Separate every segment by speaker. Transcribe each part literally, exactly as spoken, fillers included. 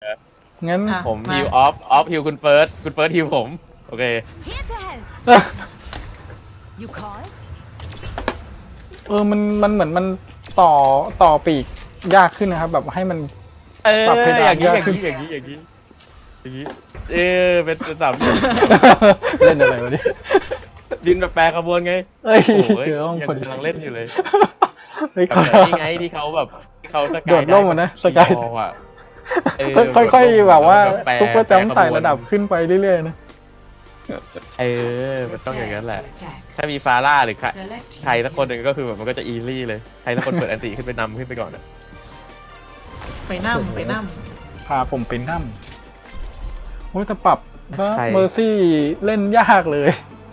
Speaker 1: งั้น
Speaker 2: อ่ะ
Speaker 3: ผม
Speaker 2: มา
Speaker 3: ฮิวออฟออฟฮิวคุณเฟิร์สคุณเฟิร์สฮิวผมโอเค
Speaker 4: You call it?
Speaker 1: เออมันมันเหมือนมันต่อต่อปีกยากขึ้นนะครับ แบบให้มัน
Speaker 3: เออ
Speaker 1: ปรับเพดาน
Speaker 3: อย่างนี้
Speaker 1: ยาก
Speaker 3: อย่าง
Speaker 1: ขึ้น
Speaker 3: นี้อย่างนี้อย่างนี้อย่างนี้เออเป็นเป็นสามเหลี่ยม
Speaker 1: เล่นอะไรวะเนี่ย
Speaker 3: ดินแบบแปรขบวนไง
Speaker 1: เอ้ย
Speaker 3: โอ้โห
Speaker 1: เจอห้อง
Speaker 3: ยัง
Speaker 1: คน
Speaker 3: กำลังเล่นอยู่เลย
Speaker 1: เฮ้ย
Speaker 3: แบบ
Speaker 1: เขา
Speaker 3: นี่ไงที่เขาแบบที่เขาสกาย
Speaker 1: โดดร่มอะนะสกาย
Speaker 3: มองอ่ะเออ
Speaker 1: ค่อยๆแบบว่า
Speaker 3: แปร
Speaker 1: ซุปเปอร์จัมป์
Speaker 3: แปรขบวน
Speaker 1: ไต่ระดับขึ้นไปเรื่อยๆนะ
Speaker 3: เออมันต้องอย่างนั้นแหละ ถ้ามีฟาร่าหรือใครใครสักคนหนึ่งก็คือแบบมันก็จะอีลี่เลยใครสักคนเปิดอันติขึ้นไปนำขึ้นไปก่อนอะ
Speaker 2: ไปนั่มไปนั่ม
Speaker 1: พาผมเป็นน้ำโอ้ยแต่ปรับซะเมอร์ซี่เล่นยากเลย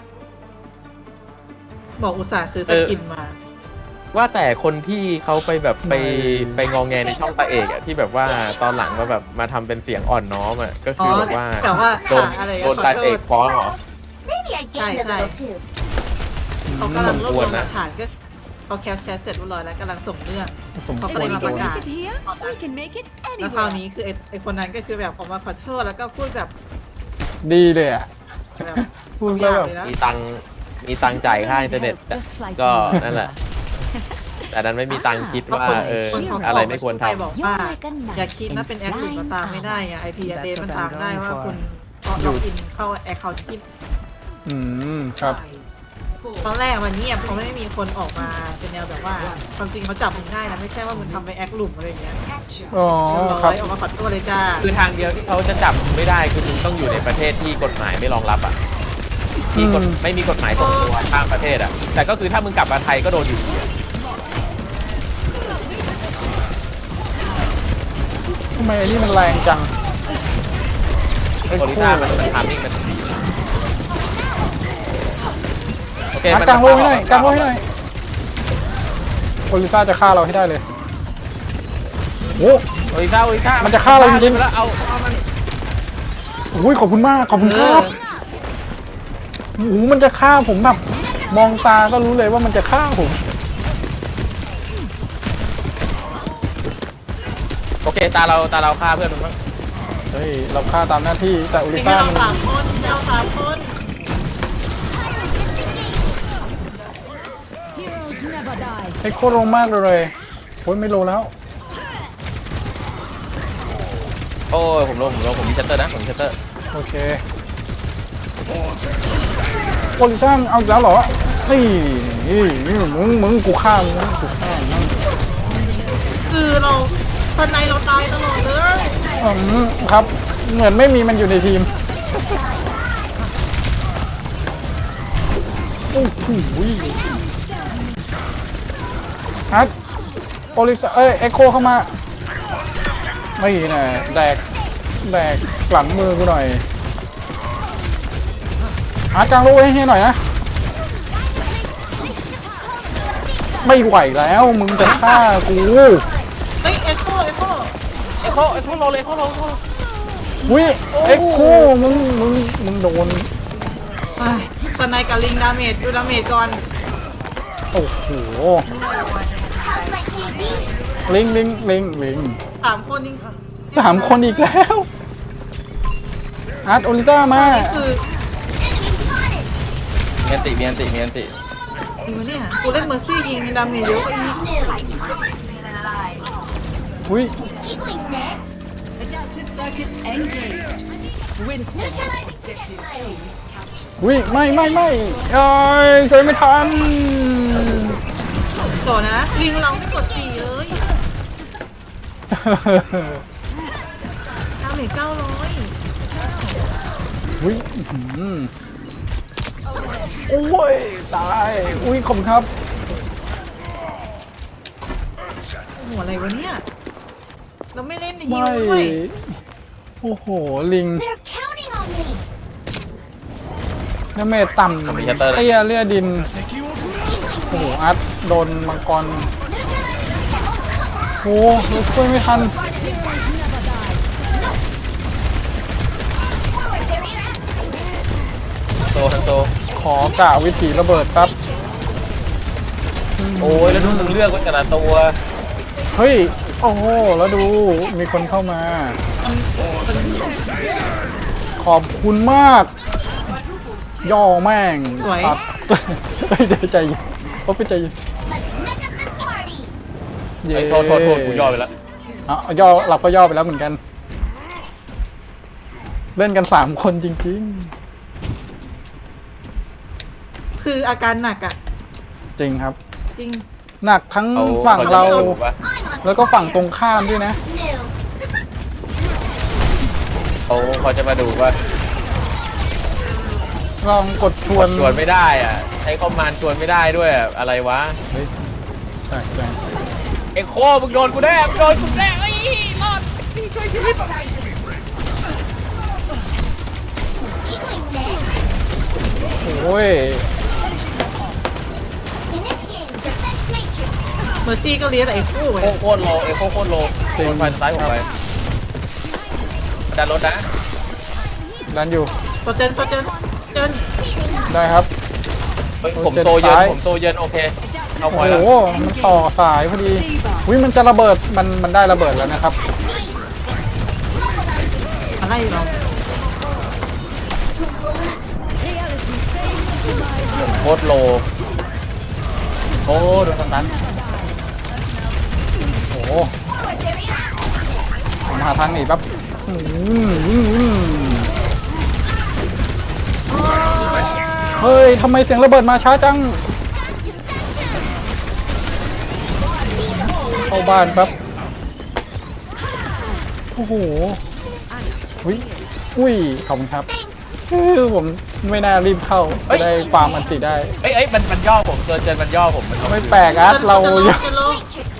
Speaker 2: บอกอุตส่าห์ซื้อสกินมา
Speaker 3: ว่าแต่คนที่เขาไปแบบไป
Speaker 1: ไม่
Speaker 3: ไปงองแงในช่องตาเอกอะที่แบบว่าตอนหลังมาแบบมาทำเป็นเสียงอ่อนน้อมอะก็
Speaker 2: อ๋
Speaker 3: คือ อแบบว่า
Speaker 2: แต่ว่า
Speaker 3: โดน
Speaker 2: ขาอะไร
Speaker 3: โดนตาเอกฟ้องเหรอ
Speaker 4: Maybe I gained a
Speaker 2: Sai,
Speaker 4: little too.
Speaker 2: เขากำลังรวบรวม
Speaker 3: สมควร
Speaker 2: ห
Speaker 3: นะ
Speaker 2: ลักฐานก็เขาแคปแชทเสร็จเรียบร้อยแล้วกำลังส่งเรื่อง
Speaker 1: สม
Speaker 2: เขา
Speaker 1: ค
Speaker 2: ก็
Speaker 1: ว
Speaker 2: เล
Speaker 1: ร
Speaker 2: ยมา
Speaker 1: โด
Speaker 2: ประ
Speaker 1: น
Speaker 2: กาศ
Speaker 4: Make it here. We can make it
Speaker 2: แล้วคราว
Speaker 4: anywhere.
Speaker 2: นี้คือไอ้ไอ้คนนั้นก็คือแบบออกมาขอโทษแล้วก็พูดแบบ
Speaker 1: ดีเลยอ่ะ
Speaker 2: แบบ
Speaker 1: พูดแล้วแบบ
Speaker 2: เลยนะ
Speaker 3: มีตังค์มีตังค์จ่ายค่าอินเทอร์เน็ต
Speaker 4: Just like
Speaker 3: ก็
Speaker 4: you.
Speaker 3: นั่นแหละ แต่นั้นไม่มีตังค์คิดว่าเออ
Speaker 2: คนเขา
Speaker 3: อะไรไม่ควรท
Speaker 2: ไปบอกว่าอย่าคิดนะเป็นแอคอื่นมาตามไม่ได้ไงไอพีเดมันตามได้ว่าคุณล็อกอินเข้าแอคเคาท์ที่
Speaker 1: อืมครับ
Speaker 2: ตอนแรกมันเงียบเพราะไม่มีคนออกมาเป็นแนวแบบว่าความจริงเขาจับมึงได้นะไม่ใช่ว่ามึงทำไปแอคหลุมอะไรอย่างเงี้ย
Speaker 1: อ๋อ
Speaker 2: เรียบ
Speaker 1: ครั
Speaker 2: ร้
Speaker 1: บ
Speaker 2: อยออกมาขอโทษเลยจ้า
Speaker 3: ำคือทางเดียวที่เขาจะจับไม่ได้คือมึงต้องอยู่ในประเทศที่กฎหมายไม่รองรับอ่ะที่กฎ
Speaker 1: อืม
Speaker 3: ไม่มีกฎหมายส่งตัวข้ามประเทศอ่ะแต่ก็คือถ้ามึงกลับมาไทยก็โดนอยู่ดีอะ
Speaker 1: ทำไมไอ้นี่มันแรงจังไอ้
Speaker 3: โอลิ
Speaker 1: คู่
Speaker 3: ซ่ามันมันทามมิ่งมันดีโอเค
Speaker 1: อ่ะ
Speaker 3: มัน
Speaker 1: กลางโลให้หน่อยกลางโลให้หน่อยโอลิซ่าจะฆ่าเราให้ได้เลยโอ้
Speaker 3: โอลิซ่าโอลิซ่า
Speaker 1: มันจะฆ่าเราจริงๆ
Speaker 3: แล้วเอาเอามัน
Speaker 1: โอ้ยขอบคุณมากขอบคุณครับโอ้โหมันจะฆ่าผมแบบมองตาก็รู้เลยว่ามันจะฆ่าผม
Speaker 3: โอเคตาเราตาเราฆ่าเพื่อนมันบ้าง
Speaker 1: เฮ้ยเราฆ่าตามหน้าที่แต่โอลิ
Speaker 2: มี
Speaker 1: ซ่า
Speaker 2: เรา
Speaker 1: มัน
Speaker 2: สามคนมีเราสามคน
Speaker 4: Heroes never die.
Speaker 1: ไอ้โคตรลงมากเลยโอ้ยไม่โลแล้ว
Speaker 3: โอ้ยผมลงผมลงผมมีชัตเตอร์นะผมมีชัตเตอร์
Speaker 1: โอเคโอลิซ่าเอาอีกแล้วเหรอนี่นี่นี่มึงมึงกูฆ่ามึงกูฆ่ามึง
Speaker 2: คือเราสไนเราตายตลอดเลย
Speaker 1: อืมครับ เหมือนไม่มีมันอยู่ในทีมโอ้โหฮัทโอลิซ่าเอ้ยเอ็กโคเข้ามาไม่น่ะแดกแดกหลังมือกูหน่อยหากลางโลกให้ให้หน่อยนะไม่ไหวแล้วมึงจะฆ่ากู
Speaker 2: เฮ้ยเอ็กโคเอ็กโค
Speaker 3: เอ็กโคเอ็กโคโลเลยเอ็กโคโลเอ็กโคโล
Speaker 1: วิเอ็กโคมึงมึงมึงโดน
Speaker 2: ไอ้สไนกับลิงดาเมจดูดาเมจก่อน
Speaker 1: โอ้โหลิงลิงลิงลิง
Speaker 2: สามคนจริง
Speaker 1: สามคนอีกแล้วอาร์ตโอลิซ่ามา
Speaker 2: นี่คือ
Speaker 3: มีอันติมีอันติมีอันติ
Speaker 2: จริงปะเนี่ยกูเล่นเมอร์ซี่ยิงดาเมจเยอะกว่าอีก
Speaker 1: อุ้ย
Speaker 4: Adaptive circuits engaged. Winston.
Speaker 1: อุ้ยไม่ไม่ไม่เอ้ยช่วยไม่ทัน
Speaker 2: ต่อนะลิงเราไม่กดขี่เลยดาเมจเก้าร้อย
Speaker 1: อุ้ยอื้อหือโอ้ยตายอุ้ยขอบคุณครับ
Speaker 2: หัวอะไรวะเนี่ยเราไม่เล่นในฮิ
Speaker 1: ไม่
Speaker 2: วด้วย
Speaker 1: โอ้โหลิง
Speaker 4: They're counting on me.
Speaker 1: น้ำเมตต่ำเตี้ยเลี่ยดินโอ้โหอาร์ตโดนมังกรโอ้โหช่วยไม่ทัน
Speaker 3: โตทั้งโต
Speaker 1: ขอกะวิถีระเบิดครับ
Speaker 3: โอ้ยแล้วดูมึงเลือกว่าแต่ละตัว
Speaker 1: เฮ้ย โอ้โห แล้วดู มีคนเข้ามา
Speaker 2: มันมัน
Speaker 1: ขอบคุณมาก ย่อแม่ง
Speaker 2: สวย
Speaker 1: ตัด เฮ้ยเดี๋ยวใจเย็นเขาไปใจเย็น
Speaker 4: Let's make up this party.
Speaker 1: เย้
Speaker 3: ไอ้ยโทษโทษโทษกูย่อไปแล้ว
Speaker 1: อ่ะย่อเราก็ย่อไปแล้วเหมือนกัน เล่นกันสามคนจริง
Speaker 2: คืออาการหนักอ่ะ
Speaker 1: ๆ จริงครับ
Speaker 2: จริง
Speaker 1: หนักทั้ง
Speaker 3: เขา
Speaker 1: ฝั่ง
Speaker 3: เขาจะ
Speaker 1: เรา
Speaker 3: มาดูปะ
Speaker 4: I'm on
Speaker 1: แล้วก็ฝั่งตรงข้ามด้วยนะ
Speaker 4: new.
Speaker 3: เขาเขาจะมาดูว่า
Speaker 1: ลองกดชวน
Speaker 3: ชวนไม่ได้อ่ะใช้คอมมานด์ชวนไม่ได้ด้วยอะอะไรวะ
Speaker 1: เฮ้ยใช่ใช่
Speaker 3: เอ็กโคมึงโดนกูแน่มึงโดนกูแน่เอ้ยรอดช่วยชีวิต
Speaker 4: Healing there.
Speaker 1: โอ้ย
Speaker 4: Initiating defense matrix.
Speaker 2: เมอร์ซี่ก็เลี้ยงแต่ไอ้คู่
Speaker 3: โค
Speaker 2: เลย
Speaker 3: โคตรโลเอ็กโคโคตรโลโดนไฟซ้ายผมไปดันรถนะ
Speaker 1: ดันอยู่
Speaker 2: โซเจนโซเจนโซเจน
Speaker 1: ได้ครับ
Speaker 3: เฮ้ยผมโตเยินผมโตเยินโอเคเอาพ
Speaker 1: โอ้
Speaker 3: อยแล้ว
Speaker 1: โห มันต่อสายพอดีวิมันจะระเบิด มัน มันได้ระเบิดแล้วนะครับ
Speaker 2: อะไรเรา
Speaker 3: โคตรโลโอ้โดนสตัน
Speaker 1: โอ้โหผมหาทางหนีแป๊บอืมอืมอืมเฮ้ย ทำไมเสียงระเบิดมาช้าจัง เข้าบ้านแป๊บ โอ้โหอุ้ยอุ้ย ขอบคุณครับเออผมไม่น่ารีบเข้าจะได้ฟาร์มอันติได้
Speaker 3: เอ้ยเอ้ยมันมันย่อผมเจอเจนมันย่อผมมัน
Speaker 1: ไม่แปลกอาร์ตเรา
Speaker 2: จะลงจะลง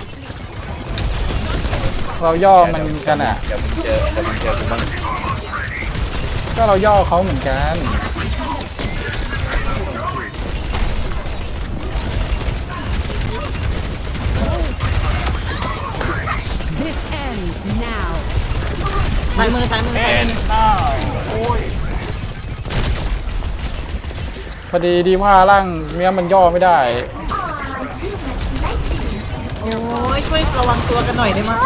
Speaker 1: เราย่อมันกันอ่ะ
Speaker 3: เดี๋ยวมึงเจอเดี๋ยวมึงเจอกูบ้าง
Speaker 1: ก็เราย่อเขาเหมือนกัน
Speaker 4: This ends now.
Speaker 2: ซ้ายมือซ้ายมือซ้ายมือ
Speaker 1: พอดีดีว่าร่างเนี้ยมันย่อไม่ได้
Speaker 2: โอ้ยช่วยระวังตัวกันหน่อยได้ไหม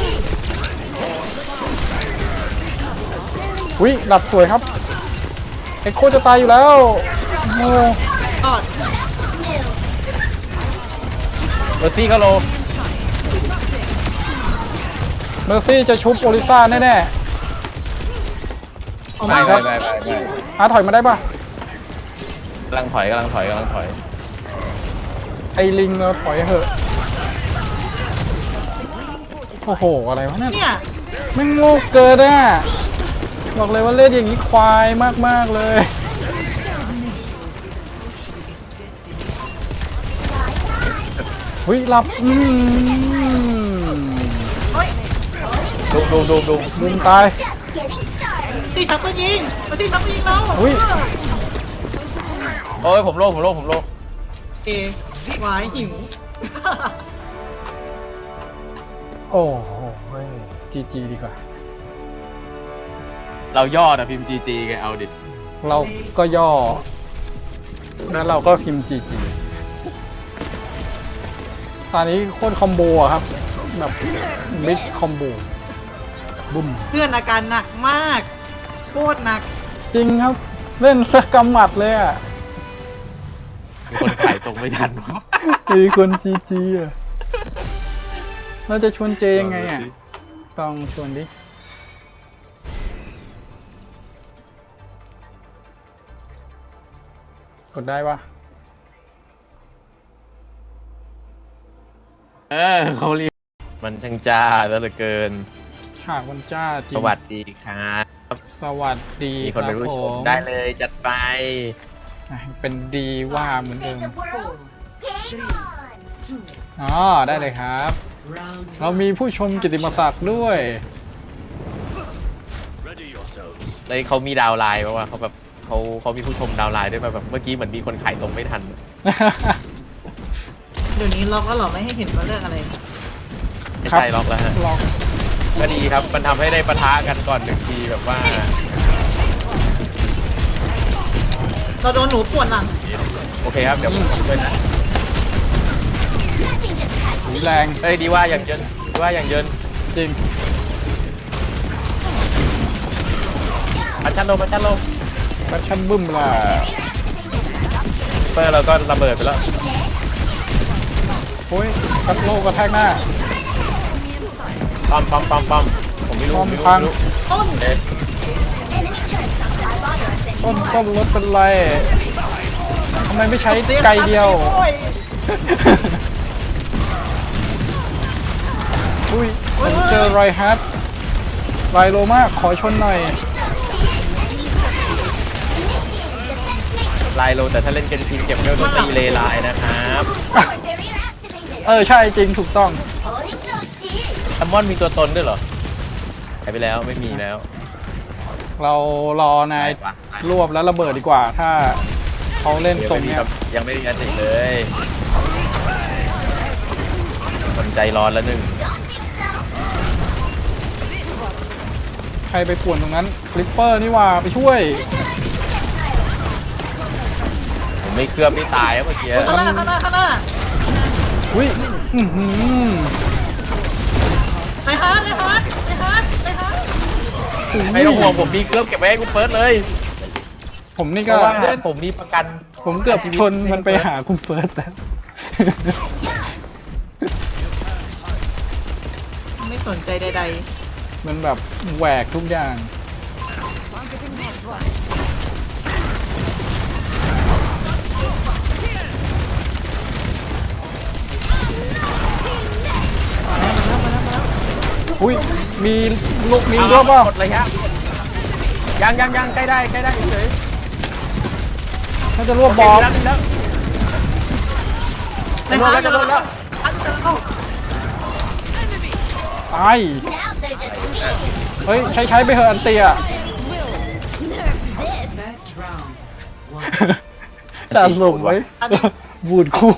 Speaker 1: วิหลับสวยครับเอ็กโคจะตายอยู่แล้วโม
Speaker 2: ออด
Speaker 3: เมอร์ซี่ก็โล
Speaker 1: เมอร์ซี่จะชุบโอลิซ่าแน่
Speaker 2: ออก
Speaker 3: ไป
Speaker 2: มา
Speaker 3: ไป
Speaker 2: ครับ
Speaker 3: ไปไปไป
Speaker 1: ๆอาร์ตถอยมาได้ปะ
Speaker 3: กำลังถอยกำลังถอยกำลังถอย
Speaker 1: ไอ้ลิงเราถอยเหอะโอ้โหอะไรวะเนี่ย
Speaker 2: เนี่ย
Speaker 1: แม่งโง่เกินอ่ะบอกเลยว่าเล่นอย่างนี้ควายมากๆเลยวิหลับอืม
Speaker 3: ดูดูดูดู
Speaker 1: มุมตาย
Speaker 2: ตีชักก็ยิงมาตีชักก็ยิงเรา
Speaker 1: อุ๊ย
Speaker 3: โอ้ยผมโลผมโลผมโล
Speaker 2: เอหวายหิว
Speaker 1: โอ้โหจีจีดีกว่า
Speaker 3: เราย่อนะพิมพ์จีจีไงเอาดิ
Speaker 1: เราก็ย่อ แล้วเราก็พิมพ์จีจีตอนนี้โคตรคอมโบอะครับ แบบมิดคอมโบบุ้ม
Speaker 2: เพื่อนอาการหนักมากโคตรหนัก
Speaker 1: จริงครับ เล่นสกำหมัดเลยอ่ะ
Speaker 3: มีคนขายตรงไม่ทันวะ
Speaker 1: มีคนจีจีอ่ะเราจะชวนเจยังไงอ่ะ ต้องชวนดิ กดได้ปะ
Speaker 3: เออเขาเรียกมันช่างจ้าซะเหลือเกิน
Speaker 1: ฉากวันจ้าจริ
Speaker 3: ส
Speaker 1: ง
Speaker 3: วัสดีครับ
Speaker 1: สวัสดี
Speaker 3: มีคนเป็นผู้ชม
Speaker 1: รับผ
Speaker 3: ได้เลยจัดไป
Speaker 1: อ่ะเป็นดีว่าเหมือนเดิม
Speaker 4: The world. Game on.
Speaker 1: อ๋อ ได้เลยครับ เรามีผู้ชมกิตติมศักดิ์ด้วย
Speaker 3: เลยเขามีดาวน์ไลน์เพราะว่าเขาแบบเขาเขามีผู้ชมดาวน์ไลน์ด้วยแบบเมื่อกี้เหมือนมีคนขายตรงไม่ทัน
Speaker 2: เดี๋ยวนี้ล็อกแล้วเหรอไม่ให้เห็นว่าเรื่องอะไร
Speaker 3: ไม่ใช่ล็อกแล้วฮะ
Speaker 1: ลอง
Speaker 3: ก็ดีครับ มันทำให้ได้ปะทะกันก่อนหนึ่งทีแบบว่า
Speaker 2: เราโดนหนูปวดหลัง
Speaker 3: โอเคครับ เดี๋ยวผมช่วยนะ
Speaker 1: หูแรง
Speaker 3: เฮ้ยดีว่าอย่างเยินดีว่าอย่างเยิน
Speaker 1: จริง
Speaker 3: ปัดชันโลปัดชันโล
Speaker 1: แฟชั่นบึ้มล่ะ
Speaker 3: เปอร์เราก็ระเบิดไปแล้ว
Speaker 1: โอ้ยกัดโลกระแทกหน้า
Speaker 3: ปั๊มปั๊มปั๊มปั๊มผมไม่รู้
Speaker 1: ปั๊ม
Speaker 3: ไม่รู้
Speaker 1: พัง
Speaker 3: ไม่รู้
Speaker 2: ต้น
Speaker 3: เอ๊ะ
Speaker 1: ต้นต้นรถเป็นไรทำไมไม่ใช้ไกลเดียว
Speaker 2: โอ้ย
Speaker 1: อุ้ยผมเจอไรฮัทไรโลมากขอชนหน่อย
Speaker 3: ลายโลแต่ถ้าเล่นกันทีมเก็บเงินโดนตีเลไลน์นะครับ
Speaker 1: เออใช่จริงถูกต้อง
Speaker 3: แซมมอนมีตัวตนด้วยเหรอหายไปแล้วไม่มีแล้ว
Speaker 1: เรารอนาย
Speaker 3: ไปวะ
Speaker 1: รวบแล้วระเบิดดีกว่า ถ้าเขาเล่น
Speaker 3: เดี๋ยว
Speaker 1: ตร
Speaker 3: ไม่
Speaker 1: ง
Speaker 3: มี
Speaker 1: เนี้
Speaker 3: ค
Speaker 1: ย
Speaker 3: รับยังไม่มีอันติเลยคนใจร้อนแล้วหนึ่ง
Speaker 1: ใครไปป่วนตรงนั้นคลิปเปอร์นี่หว่าไปช่วย
Speaker 3: ผมไม่เคลือบไม่ตายแล้วเมื่อกี้
Speaker 2: ข้างหน้าข้างหน้าข้างหน้า
Speaker 1: อุ้ยอื้อหือ
Speaker 2: ไอ้ฮาร์ดไอ้ฮาร์ดไอ้ฮาร์ดไอ้ฮาร์ด
Speaker 3: ไม่ต้องห่วงผมมีเคลือบเก็บไว้ให้คุณเฟิร์สเลย
Speaker 1: ผมนี่
Speaker 3: เพ
Speaker 1: ก็
Speaker 3: ราะว่าผมมีประกัน
Speaker 1: ผมเกือบชนมันไปหาคุณเฟิร์สแล้ว
Speaker 2: ไม่สนใจใด
Speaker 1: มันแบบแหวกทุกอย่าง อุ้ยมีลูกมี
Speaker 3: เอา
Speaker 1: รวบเปล่า
Speaker 3: หมดเลยครับยังยังยังใกล้ได้ใกล้ได้เฉย
Speaker 1: ถ้าจะรวบ
Speaker 3: ๆ
Speaker 1: บอล
Speaker 3: แล้วแล้ว
Speaker 2: ๆ
Speaker 3: จะโดนแล้วจะโดนแล้ว
Speaker 2: ฮาร์ดจะเข้า
Speaker 1: ตายเฮ้ย ใช้ใช้ไปเถอะอันเตีย
Speaker 4: First round.
Speaker 1: จะส่งไว้ บูดคู่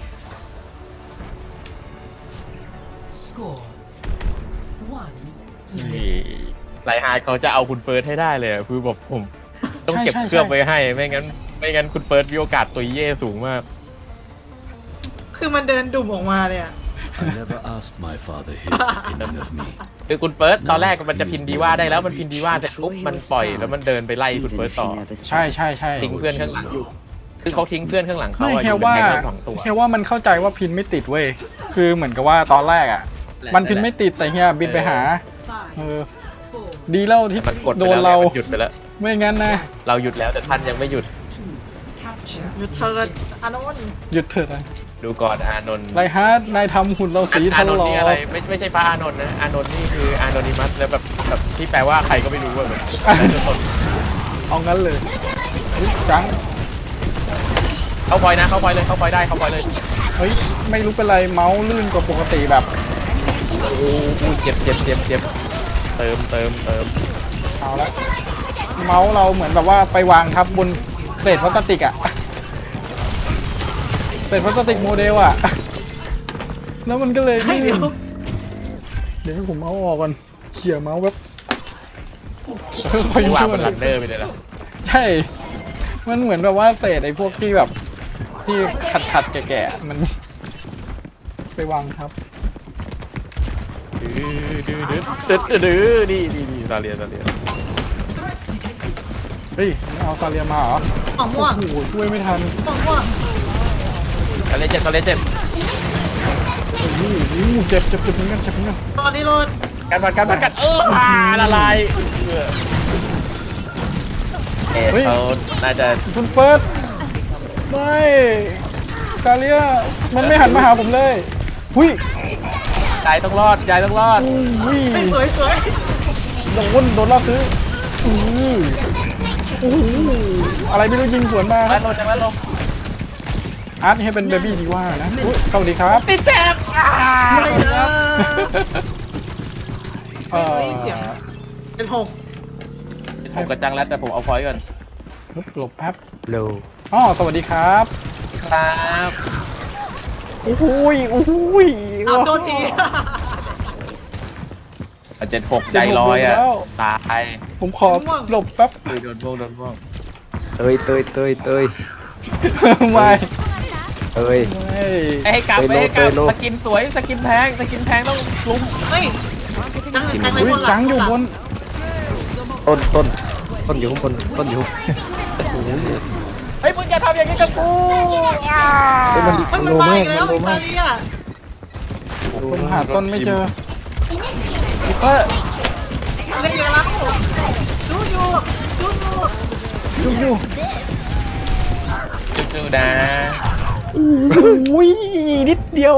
Speaker 4: Score. One.
Speaker 3: นี่ไลฮาร์ดเขาจะเอาคุณเฟิร์สให้ได้เลยอะคือแบบผมต้องเก็บ
Speaker 1: ใช่ใช่
Speaker 3: เคลือบไว้ให้ไม่งั้นไม่งั้นคุณเฟิร์สมีโอกาสตัวเย่สูงมาก
Speaker 2: คือมันเดินดุ่มออกมาเลยอะ
Speaker 5: I never asked my father his opinion of me.
Speaker 3: คือคุณเฟิร์สตอนแรกมันจะพินดีว่าได้แล้วมันพินดีว่าเสร็จปุ๊บมันปล่อยแล้วมันเดินไปไล่คุณเฟิร์สต่อ
Speaker 1: ใช่ใช่ใช่
Speaker 3: ทิ้งเพื่อนข้างหลังอยู่คือเขาทิ้งเพื่อนข้างหลังเขา
Speaker 1: ไม่
Speaker 3: อะอ
Speaker 1: เฮีย
Speaker 3: ยู่เป็น
Speaker 1: ว่า
Speaker 3: แค่สองตัว
Speaker 1: เฮียว่ามันเข้าใจว่าพินไม่ติดเว้ย คือเหมือนกับว่าตอนแรกอ่ะ มันพินไม่ติดแต่เฮียบินไปหา
Speaker 4: Five.
Speaker 1: เออ
Speaker 4: Four.
Speaker 1: ดีแล้วที่
Speaker 3: มันกดไป
Speaker 1: โดน
Speaker 3: แล้ว
Speaker 1: เรา
Speaker 3: เนี่ยมันหยุดไปแล้ว
Speaker 1: ไม่งั้นนะ
Speaker 3: เราหยุดแล้วแต่ท่านยังไม่หยุด
Speaker 4: Capture.
Speaker 2: อยู่เทิร์นอานนท์
Speaker 1: หยุดเถิดนะ
Speaker 3: ดูก่อนอานนท์
Speaker 1: ไรฮาร์ดนายทำหุ่นเราสี
Speaker 3: อา
Speaker 1: ทัน
Speaker 3: นน
Speaker 1: หล
Speaker 3: ท์
Speaker 1: อ
Speaker 3: นี่อะไรไม่ไม่ใช่พระอานนท์นะอานนท์นี่คืออานอนิมัสแล้วแบบแบบที่แปลว่าใครก็ไม่รู้ว่าแบบทุกคน
Speaker 1: เอางั้นเลยอุ๊ยจัง
Speaker 3: เข้าพอยนะเข้าพอยเลยเข้าพอยได้เข้าพอยเลย
Speaker 1: เฮ้ย ไม่รู้เป็นไรเมาส์ลื่นกว่าปกติแบบ
Speaker 3: โอ้โหเจ็บเจ็บเจ็บเจ็บเติมเติมเติม
Speaker 1: เอาละเมาส์เราเหมือนแบบว่าไปวางทับบนเศษพลาสติกอะเศษพลาสติกโมเดลอะแล้วมันก็เลย
Speaker 2: ให้
Speaker 1: ลื่
Speaker 2: เดี๋ย
Speaker 1: น
Speaker 2: ว
Speaker 1: เดี๋ยวให้ผมเอาออกก่อนเขี่ยเมาส์แบบค่อย
Speaker 3: ไม่วาง
Speaker 1: ๆ
Speaker 3: บนลันเนอร์ไปเลยละ
Speaker 1: ใช่ มันเหมือนแบบว่าเศษไอ้พวกที่แบบ ที่ขัดขัดๆแก่ๆมัน ไปวางทับ
Speaker 3: ดื้อดื้อดื้อดื้อดื้อนี่นี่นี่ซาเลียซาเลีย
Speaker 1: เฮ้ยเอาซาเลียมาเหรอ
Speaker 2: หอมม่วง
Speaker 1: โอ้โหช่วยไม่ทัน
Speaker 2: หอมม่วง
Speaker 3: ซาเลียเจ็บซาเลียเจ็บ
Speaker 1: โอ้โหเจ็บเจ็บเจ็บเหมือนกันเจ็บเหมือนกัน
Speaker 2: ตอนนี้โรด
Speaker 3: การบัดการบัดกันเอออ่าละลายเออเอ๊ะเขาน่าจะ
Speaker 1: คุณเฟิร์สไม่ซาเลียมันไม่หันมาหาผมเลยหุ้ย
Speaker 3: ยายต้องรอดยายต้องรอด
Speaker 1: อุ้ย
Speaker 2: สวยสวย
Speaker 1: โดนโดนล่อซื้ออือโอ้โหอะไรไม่รู้ยิงสวนมา
Speaker 3: แวะลงจะแวะลง
Speaker 1: อาร์ตให้เป็นเบบี้ดีว่านะอุ๊ยสวัสดีครับ
Speaker 3: ติดแจ็บอ่า
Speaker 2: ไม่เลย
Speaker 1: เอ่อ
Speaker 2: เสียงเป็นหก
Speaker 3: ผมกระจังแล้วแต่ผมเอาพอยต์ก่อน
Speaker 1: หลบแป๊บ
Speaker 3: เร็ว
Speaker 1: อ๋อสวัสดีครับ
Speaker 3: ครับ
Speaker 1: โอ้โหยโอ้โหย
Speaker 2: เอาโทษที
Speaker 3: เจ็ดหกใจลอยอ่ะตาย
Speaker 1: ผมขอหลบแป๊บ
Speaker 3: คือโดนม่วงโดนม่วง
Speaker 6: เตยเตยเตยเตย
Speaker 1: ไม่
Speaker 6: เตย
Speaker 1: ไม่
Speaker 3: ให้กลับ
Speaker 6: เตยโล
Speaker 3: ให้กลับ
Speaker 6: เตยโล
Speaker 3: สกินสวยสกินแพงสกินแพงต้องลุม
Speaker 2: เฮ้ยจังจังใน
Speaker 1: อุ้ย
Speaker 2: บนหลั
Speaker 1: จังอยู่บน
Speaker 6: ต้นต้นต้นอยู่ข้างบนต้นอยู่
Speaker 3: เฮ้ยมึงอย่าทำอย่างนี้กับกูอ่า
Speaker 6: เฮ้ยมัน
Speaker 2: เฮ้ย
Speaker 6: มัน
Speaker 2: มัน
Speaker 6: โล
Speaker 2: มา
Speaker 6: มา
Speaker 2: อี
Speaker 6: ก
Speaker 2: กแล้ว
Speaker 6: มันโล
Speaker 2: อิ
Speaker 6: มา
Speaker 2: ตาก เลีย
Speaker 1: ผมหาต้นไม่เจอลิปเปอร์
Speaker 2: เล่นกันแล้วดูอยู่ดูอยู่
Speaker 1: ยุ่งอยู่
Speaker 3: จู่ๆนะ
Speaker 1: อุ้ยนิดเดียว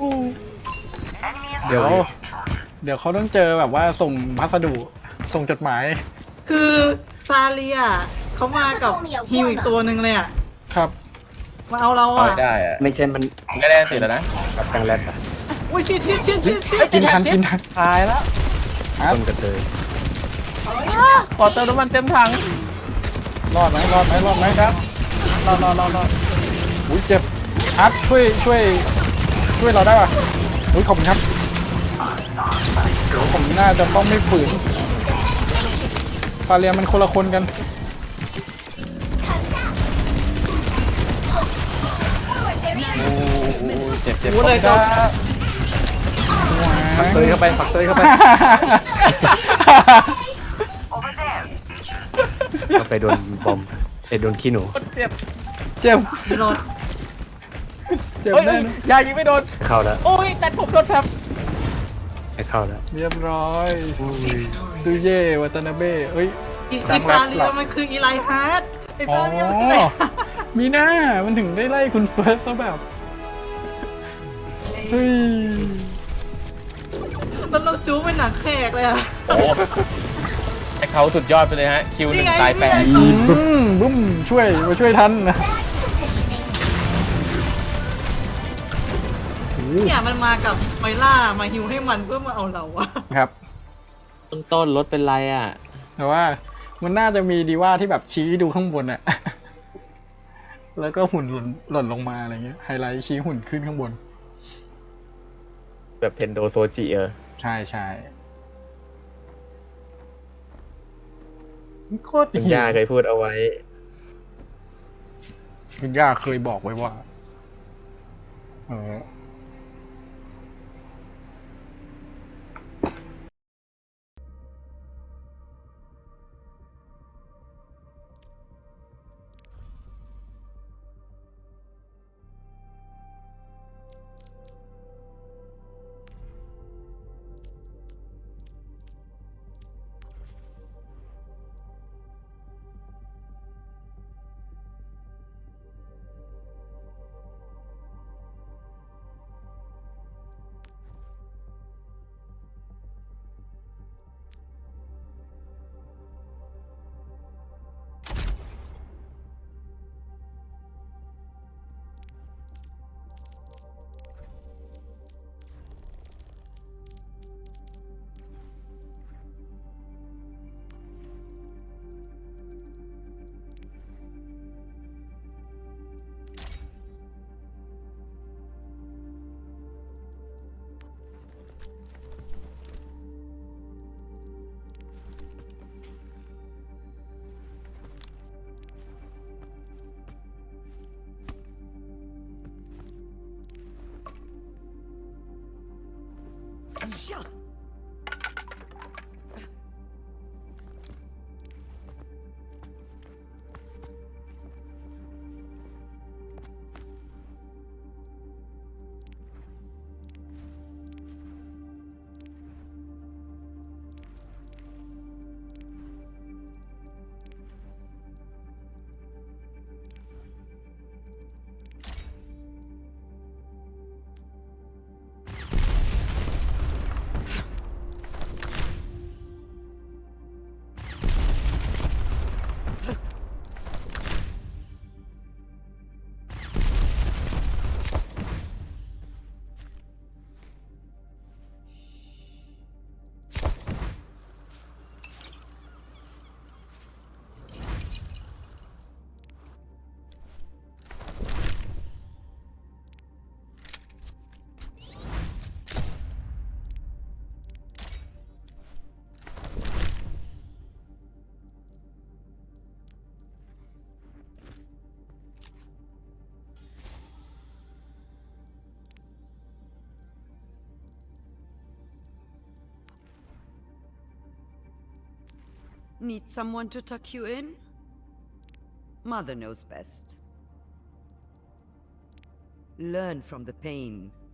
Speaker 6: เดี๋ยว
Speaker 1: เดี๋ยวเขาต้องเจอแบบว่าส่งพัสดุส่งจดหมาย
Speaker 2: คือซาเลียเขามากับฮิวอีกตัวหนึ่งเลยอ่ะ
Speaker 1: ครับ
Speaker 2: มาเอาเรา
Speaker 3: เอา
Speaker 2: อ่ะ
Speaker 3: ได้อะ
Speaker 6: ไม่ใช่มัน
Speaker 3: มึงก็ได้ติดแล้วนะ
Speaker 6: กับตังแรดอะ
Speaker 2: อุ้ยชิดชิดชิดชิดชิด
Speaker 1: กินทันกินทัน
Speaker 3: ตายแล้ว
Speaker 1: อาร์ต
Speaker 6: ต้นกระเตย
Speaker 3: ขอเติมน้ำมันเต็มถัง
Speaker 1: รอดไหมรอดไหมรอดไหมครับรอดรอดรอดรอดอุ้ยเจ็บอาร์ตช่วยช่วยช่วยเราได้ป่ะอุ้ยขอบคุณครับเดี๋ยวผมน่าจะต้องไม่ฝืนซาเลียมันคนละคนกัน
Speaker 3: โอ้โหเจ็บเจ็บ
Speaker 2: รู้เลยครับ
Speaker 6: ปักเตยเข้าไปปักเตยเข้าไปเข้าไปโดนบอมไอ้โดนขี้หนู
Speaker 3: เจ็บ
Speaker 1: เจ็บ
Speaker 2: มีรถ
Speaker 1: เจ็บ
Speaker 3: เฮ้ย
Speaker 1: แน่
Speaker 3: เฮ้ย
Speaker 1: นะ
Speaker 3: ยายิงไม่โดน
Speaker 6: ไม่เข้าแล้ว
Speaker 3: โอ้ยแต่ผมโดนแผล
Speaker 6: ไม่เข้าแล้ว
Speaker 1: เรียบร้อยดูเย่วัตนาเบ้เอ้ย
Speaker 2: อี
Speaker 1: ตา
Speaker 2: อี
Speaker 1: ม
Speaker 2: ซา
Speaker 1: รับ
Speaker 2: เลี
Speaker 1: หลั
Speaker 2: ย
Speaker 1: บ
Speaker 2: มันคืออีไลฮาร์ดไอ
Speaker 1: อ๋อ
Speaker 2: ซาเลียมันคือไหน
Speaker 1: มีหน้ามันถึงได้ไล่คุณเฟิร์สซะแบบ เฮ้ย
Speaker 2: แล้วเราจู๊เป็นหนังแขกเลยอ่ะ
Speaker 3: โอ้ไอเขาสุดยอดไปเลยฮะ คิวหนึ่ง
Speaker 2: นี่ไง
Speaker 3: ตายแปด
Speaker 2: นี่ไง
Speaker 1: อืมบุ้มช่วยมาช่วยทันนะ
Speaker 2: เนี่ยมันมากับไมล่ามาฮิวให้มันเพื่อมาเอาเราอะ
Speaker 1: ครับ
Speaker 3: ต้นต้นรถเป็นไรอ่ะ
Speaker 1: แต่ว่ามันน่าจะมีดีว่าที่แบบชี้ดูข้างบนอะ แล้วก็หุ่นหล่นหล่นลงมาอะไรเงี้ยไฮไลท์ชี้หุ่นขึ้นข้างบน
Speaker 3: แบบเทนโดโซจิเออ
Speaker 1: ใช่ใช่โคตร
Speaker 3: คุณ
Speaker 1: หิว
Speaker 3: ย่าเคยพูดเอาไว้
Speaker 1: คุณย่าเคยบอกไว้ว่า เออ
Speaker 7: Need someone to tuck you in? Mother knows best. Learn from the pain